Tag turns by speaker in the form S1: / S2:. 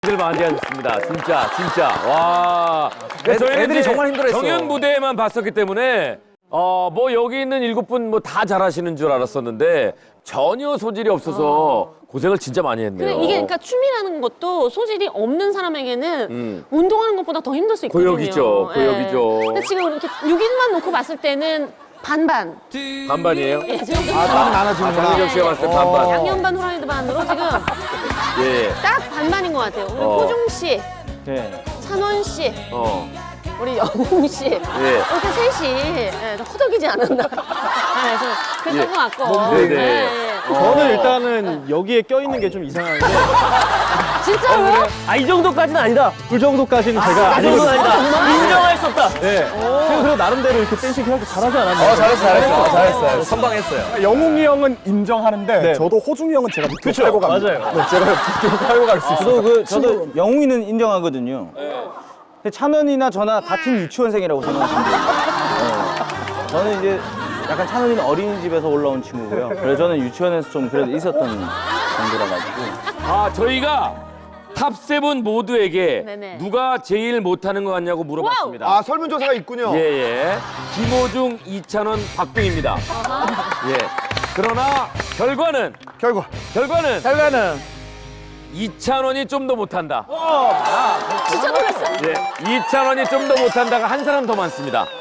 S1: 들 많이 하셨습니다. 진짜. 와.
S2: 애들이 정말 힘들어했어.
S1: 경연 무대에만 봤었기 때문에 뭐 여기 있는 7분 뭐 다 잘하시는 줄 알았었는데 전혀 소질이 없어서 고생을 진짜 많이 했네요.
S3: 근데 이게 그러니까 춤이라는 것도 소질이 없는 사람에게는 운동하는 것보다 더 힘들 수 있거든요.
S1: 고역이죠.
S3: 근데 지금 이렇게 6인만 놓고 봤을 때는 반반.
S1: 반반이에요?
S3: 예, 지금
S2: 딱 나눠지는구나.
S1: 장미정 씨가 봤을 때 반반.
S3: 양념 반 후라이드 반으로 지금
S1: 예.
S3: 딱 반반인 것 같아요. 우리 호중 씨, 찬원 씨, 우리 영웅 씨 이렇게 셋이 좀 허덕이지 않았나. 그래서 그랬던 것 같고.
S1: 네네.
S4: 저는 일단은 여기에 껴있는 게 좀 이상한데
S3: 진짜로요?
S4: 이 정도까지는 아니다. 그 정도까지는 제가
S3: 그 정도는 아니다.
S4: 인정할 수 없다. 네. 제가 그래도 나름대로 이렇게 댄싱 해갖고 잘하지 않았나요?
S2: 잘했어요. 선방했어요.
S5: 영웅이 형은 인정하는데
S4: 네.
S5: 저도 호중이 형은 제가 밑으로 팔고 갑니다.
S4: 맞아요.
S5: 네, 제가 밑으로 팔고 갈 수 있어요.
S6: 저도 영웅이는 인정하거든요. 근데 찬원이나 저나 같은 유치원생이라고 생각하시면 돼요. 저는 이제 약간 찬원이는 어린이집에서 올라온 친구고요. 그래서 저는 유치원에서 좀 그래도 있었던 정도라 가지고.
S1: 저희가 탑7 모두에게
S3: 네네.
S1: 누가 제일 못하는 것 같냐고 물어봤습니다.
S2: 아, 설문조사가 있군요.
S1: 예. 김호중, 이찬원, 박빙입니다. 예. 그러나 결과는 이찬원이 좀 더 못한다.
S3: 진짜 놀랐어요.
S1: 예. 이찬원이 좀 더 못한다가 한 사람 더 많습니다.